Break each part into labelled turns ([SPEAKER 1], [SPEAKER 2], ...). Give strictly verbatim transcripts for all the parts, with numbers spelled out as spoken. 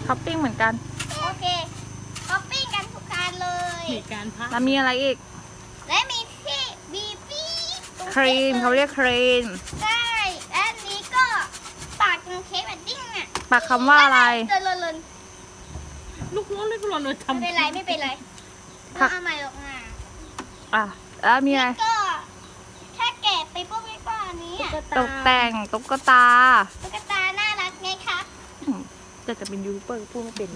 [SPEAKER 1] ท็อปปิ้งเหมือนกัน
[SPEAKER 2] โอเคท็อปปิ้งกันทุกการเลย
[SPEAKER 3] เหตุการณ์พัก
[SPEAKER 1] แล้วมีอะไรอีก
[SPEAKER 2] และมีที่บีบี้
[SPEAKER 1] ครีมเขาเรียกครีม
[SPEAKER 2] ใช่และอันนี้ก็ปากเป็นเค้กแบบดิ้งอ่ะ
[SPEAKER 1] ปากคำว่าอะไร
[SPEAKER 2] เดินเลย
[SPEAKER 3] ลูกร้อนเลยร้อนเลย
[SPEAKER 2] ไม่
[SPEAKER 3] ทำ
[SPEAKER 2] เป็นไรไม่เป็นไร
[SPEAKER 1] ผั
[SPEAKER 2] เรา
[SPEAKER 1] ก
[SPEAKER 2] เอาใหม่หรอกนะ
[SPEAKER 1] อ่ะแล้วมีอะไร
[SPEAKER 2] นี่ก็แค่แกะไปปุ๊บนี่ก็อันนี้อะ
[SPEAKER 1] ตกแต่งตุ๊กตา
[SPEAKER 2] ตุ๊กตาน่ารักไงคะ
[SPEAKER 1] จะจะเป็นยูทูบเบอร์พูดไม่เป็น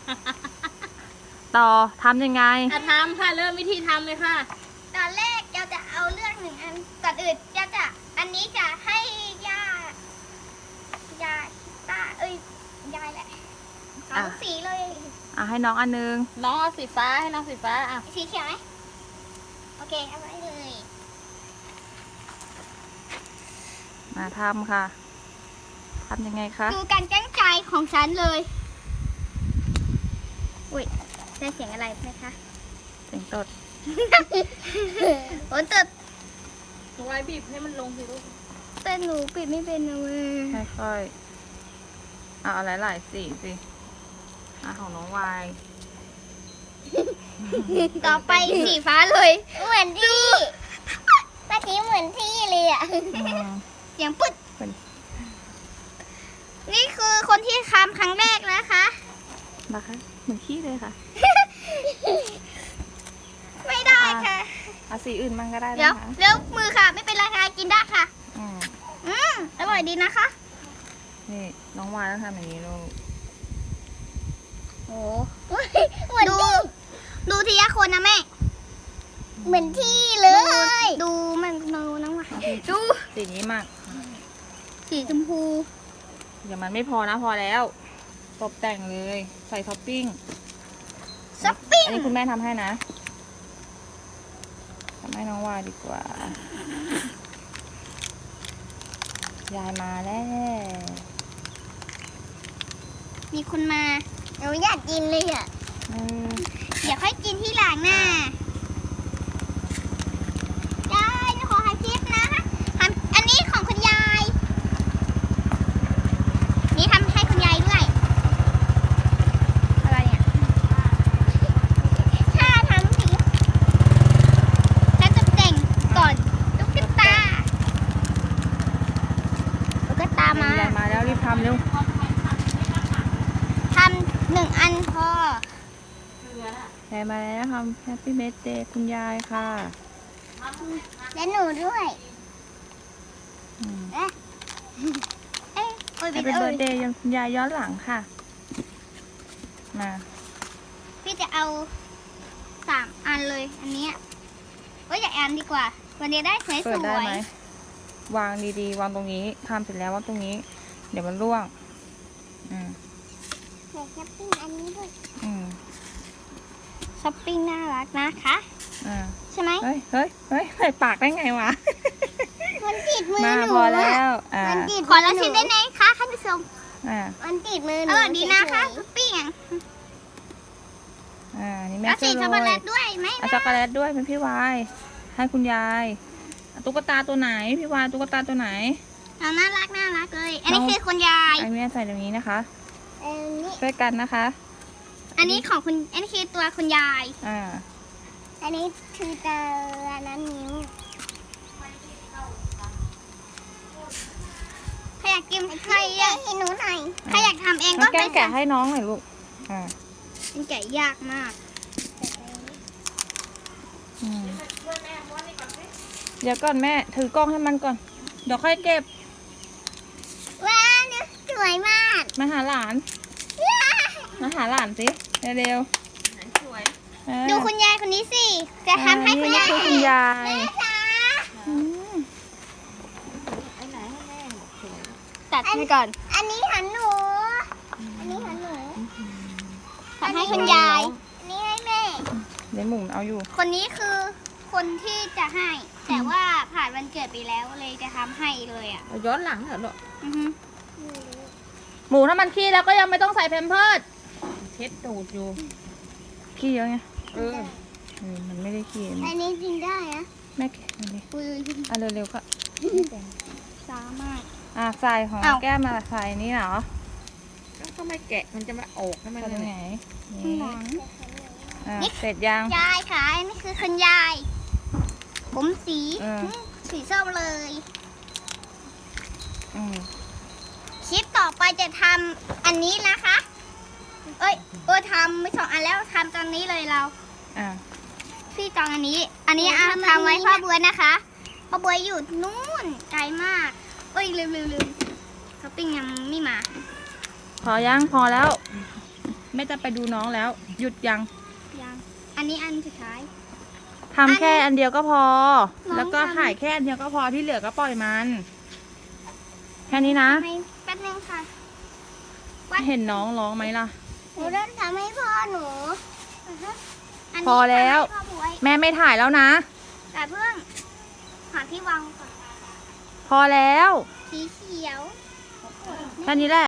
[SPEAKER 1] ต่อทำยังไง
[SPEAKER 3] อ่ะทำค่ะเริ่มวิธีทำเลยค่ะ
[SPEAKER 2] ตอนแรกเราจะเอาเลือกหนึ่งอันก่อนอื่นจะจะอันนี้จะให้ย่าย่าตาเอ้ยยายแหละเอา
[SPEAKER 1] อ่ะ
[SPEAKER 2] สีเลย
[SPEAKER 1] อ่ะให้น้องอันนึง
[SPEAKER 3] น้องเอาสีฟ้าให้น้องสีฟ้าอ่ะ
[SPEAKER 2] สีเขียวไหมโอเคเอาไว้เลย
[SPEAKER 1] มาทำค่ะทำยังไงคะ
[SPEAKER 2] ดูการตั้งใจของฉันเลยอุ้ยได้เสียงอะไรไหมคะ
[SPEAKER 1] เสียงตด
[SPEAKER 2] โอ้ตึด
[SPEAKER 3] ไว้บีบให้มันลงสิลูก
[SPEAKER 2] แต่หนูปิดไม่เป็นนะเว้ย
[SPEAKER 1] ค่อยๆเอาอะไรหลายๆสีสิอ่ะของน้องวาย
[SPEAKER 2] ต่อไปสีฟ้าเลย เหมือนที่เมื่อกี้เหมือนที่เลยอ่ะ
[SPEAKER 1] อืม
[SPEAKER 2] เสียงปึ๊ด
[SPEAKER 1] เป็น
[SPEAKER 2] นี่คือคนที่ทำครั้งแรกนะคะ
[SPEAKER 1] นะคะเหมือนขี้เลยค่ะ
[SPEAKER 2] ไม่ได้ค่ะ
[SPEAKER 1] เอาสีอื่นมั่งก็ได้
[SPEAKER 2] เดี๋ยว
[SPEAKER 1] นะคะ
[SPEAKER 2] เดี๋ยวมือค่ะ ไม่เป็นไรค่ะ กินได้ค่ะ
[SPEAKER 1] อืม
[SPEAKER 2] อืมอร่อยดีนะคะ
[SPEAKER 1] นี่น้องวายต้องทำอย่างนี้ลูก
[SPEAKER 2] โอ้เหมือนดู ดูทีละคนนะแม่ เหมือนที่เลย ดูมันดูน้องวายดู
[SPEAKER 1] สีนี้มาก
[SPEAKER 2] สีชมพู
[SPEAKER 1] เดี๋ยวมันไม่พอนะพอแล้ว ตกแต่งเลยใส่ท็อปปิ้ง
[SPEAKER 2] ซัปปิ้ง
[SPEAKER 1] อันนี้คุณแม่ทำให้นะทำให้น้องวายดีกว่า ยายมาแล้ว
[SPEAKER 2] มีคนมาหนูอยากกินเลยอ่ะ
[SPEAKER 1] เออ
[SPEAKER 2] เดี๋ยวค่อยกินที่หลังน่ะได้หนูขอให้ทิปนะทำอันนี้ของคุณยาย นี่ทำให้คุณยายด้วย อะไรเนี่ยถ้าทำสีถ้าตกแต่งก่อนตุ๊กตาตุ๊กตามา
[SPEAKER 1] ยายมาแล้วรีบทำเร็ว
[SPEAKER 2] ทำหนึ่งอันพอ
[SPEAKER 1] ยายมาแล้วทำแฮปปี้เบ t เดย์คุณยายค่ะ
[SPEAKER 2] และหนูด้วย
[SPEAKER 1] อืม
[SPEAKER 2] เอ๊ะเอ๊ะโอ้ย
[SPEAKER 1] แฮ
[SPEAKER 2] บิ
[SPEAKER 1] ป
[SPEAKER 2] ด
[SPEAKER 1] ปี้
[SPEAKER 2] เอ้
[SPEAKER 1] เบิ
[SPEAKER 2] ย
[SPEAKER 1] ร์ดเดย์ยังคุณยายย้อนหลังค่ะ มา
[SPEAKER 2] พี่จะเอาสามอันเลย อันเนี้ยก็อยากอันดีกว่า วันนี้ได้สวยส
[SPEAKER 1] เปิดได้
[SPEAKER 2] ว
[SPEAKER 1] ไหม
[SPEAKER 2] ยว
[SPEAKER 1] างดีๆ วางตรงนี้ทำเสร็จแล้ววางตรงนี้ เดี๋ยวมันร่วง อืม
[SPEAKER 2] เดี๋ยวช้อปปิ้งอันนี้ด้วย
[SPEAKER 1] อืม
[SPEAKER 2] ช้อปปิ้งน่ารักนะคะ
[SPEAKER 1] อ่า
[SPEAKER 2] ใช่ไหม
[SPEAKER 1] เฮ้ยเฮ้ยเฮ้ยใส่ปากได้ไงวะ
[SPEAKER 2] มันติดมือ
[SPEAKER 1] มา
[SPEAKER 2] หนู
[SPEAKER 1] พอแล้ว อ่า
[SPEAKER 2] มันติดขอละชิ้นได้ไหมคะท่านผู้ชม
[SPEAKER 1] อ่า
[SPEAKER 2] มันติดมือหนูอร่อยดีนะคะช้อปปิ้งอ่ะ
[SPEAKER 1] อ่า นี่แม่
[SPEAKER 2] แล้ว
[SPEAKER 1] ช่
[SPEAKER 2] สี
[SPEAKER 1] วย
[SPEAKER 2] ช็อก
[SPEAKER 1] โร
[SPEAKER 2] โกแล
[SPEAKER 1] ย
[SPEAKER 2] ตด้วยไหม
[SPEAKER 1] เอาช็อกโกแลตด้วยเป็นพี่วาย ให้คุณยายเอาตุ๊กตาตัวไหน พี่วายตุ๊กตาตัวไหน
[SPEAKER 2] เอาน่ารักน่ารักเลย อันนี้
[SPEAKER 1] น้อง
[SPEAKER 2] คือคุณยาย
[SPEAKER 1] ไอแม่ใส่ตรงนี้นะคะ
[SPEAKER 2] อันนี้
[SPEAKER 1] ช่วยกันนะคะ
[SPEAKER 2] อันนี้ของคุณ อันนี้คือตัวคุณยาย
[SPEAKER 1] อ่า
[SPEAKER 2] อันนี้คือตัวนั้นนิ้วใครอยากกินใครอยากให้หนูหน่อยใครอยากทำเอง
[SPEAKER 1] น้
[SPEAKER 2] ก็
[SPEAKER 1] องแก้มแกะให้น้องหน่อยลูก อ่า
[SPEAKER 2] มันแกะยากมาก
[SPEAKER 1] อืมเดี๋ยวก่อนแม่ถือกล้องให้มันก่อน เดี๋ยวค่อยเก็บ
[SPEAKER 2] ว้าเนี่ยสวยมาก
[SPEAKER 1] มาหาหลาน มาหาหลานสิ เร็ว
[SPEAKER 3] สวย
[SPEAKER 1] ๆเออ
[SPEAKER 2] ดูคุณยายคนนี้สิ จะทำให้คุณยาย
[SPEAKER 1] นี่คือคุณยาย
[SPEAKER 2] แม่จ๋า
[SPEAKER 1] อืม
[SPEAKER 3] ไอ้ไหนให้แม่สวย
[SPEAKER 2] ตัดให้ก่อน อันนี้หันหนู อันนี้หันหนูทำให้คุณยาย อันนี้ให้แม่
[SPEAKER 1] เดี๋ยวหมุนเอาอยู่
[SPEAKER 2] คนนี้คือคนที่จะให้ แต่ว่าผ่านวันเกิดไปแล้วเลยจะทำให้เลยอ่ะ
[SPEAKER 3] เอาย้อนหลังเหรอลูก
[SPEAKER 2] อือฮึ
[SPEAKER 1] หมูถ้ามันขี้แล้วก็ยังไม่ต้องใส่แพมเพิร์ส
[SPEAKER 3] เช็ดตูดอยู่
[SPEAKER 1] ขี้เยอะไง
[SPEAKER 3] เออ
[SPEAKER 1] เออมันไม่ได้ขี้
[SPEAKER 2] อันนี้กินได้อะ
[SPEAKER 1] แม่แกะอันนี้
[SPEAKER 2] อุ้ย
[SPEAKER 1] อ่ะเร็วๆก็
[SPEAKER 2] ช้ามาก
[SPEAKER 1] อ่ะใส่ของ
[SPEAKER 2] อ้าว
[SPEAKER 1] แก้มมาใส่อันนี้เหรอ
[SPEAKER 3] ก็ใส่ก็ไม่แกะมันจะมาออกทำไม
[SPEAKER 1] ตรง
[SPEAKER 3] เลย
[SPEAKER 1] ไหน
[SPEAKER 2] ข้าง
[SPEAKER 1] นี่
[SPEAKER 2] หลัง
[SPEAKER 1] อ่ะเสร็จยัง
[SPEAKER 2] ยายค่ะอันนี้คือคุณยาย ผมสี
[SPEAKER 1] เออ
[SPEAKER 2] สีส้มเลย
[SPEAKER 1] อืม
[SPEAKER 2] คลิปต่อไปจะทำอันนี้นะคะ เอ้ยเออทำไม่สองอันแล้วทำตอนนี้เลยเรา
[SPEAKER 1] อ่ะ
[SPEAKER 2] พี่จองอันนี้ อันนี้อ่ะทำไว้พ่อบัวนะคะพ่อบัวอยู่นู่นไกลมาก เอ้ยลืมลืมลืมช้อปปิ้งยังไม่มา
[SPEAKER 1] พอยังพอแล้วแม่จะไปดูน้องแล้ว หยุดยัง
[SPEAKER 2] ยัง อันนี้อันสุดท้าย
[SPEAKER 1] ทำแค่อันเดียวก็พอ
[SPEAKER 2] น้อง
[SPEAKER 1] แล้วก็
[SPEAKER 2] ทำ
[SPEAKER 1] ถ่ายแค่อันเดียวก็พอที่เหลือก็ปล่อยมัน แค่นี้นะ
[SPEAKER 2] ให้แป๊บนึงค่ะ
[SPEAKER 1] เห็นน้องร้องไหมล่ะ
[SPEAKER 2] หนูเริ่มทำให้พ่อหนูนนี้
[SPEAKER 1] พอแล้ว
[SPEAKER 2] ทำให้พ่อบัว
[SPEAKER 1] แม่ไม่ถ่ายแล้วนะ
[SPEAKER 2] แต่เพิ่งหาที่วางก่อน
[SPEAKER 1] พอแล้ว
[SPEAKER 2] สีเขียว
[SPEAKER 1] แค่นี้แหละ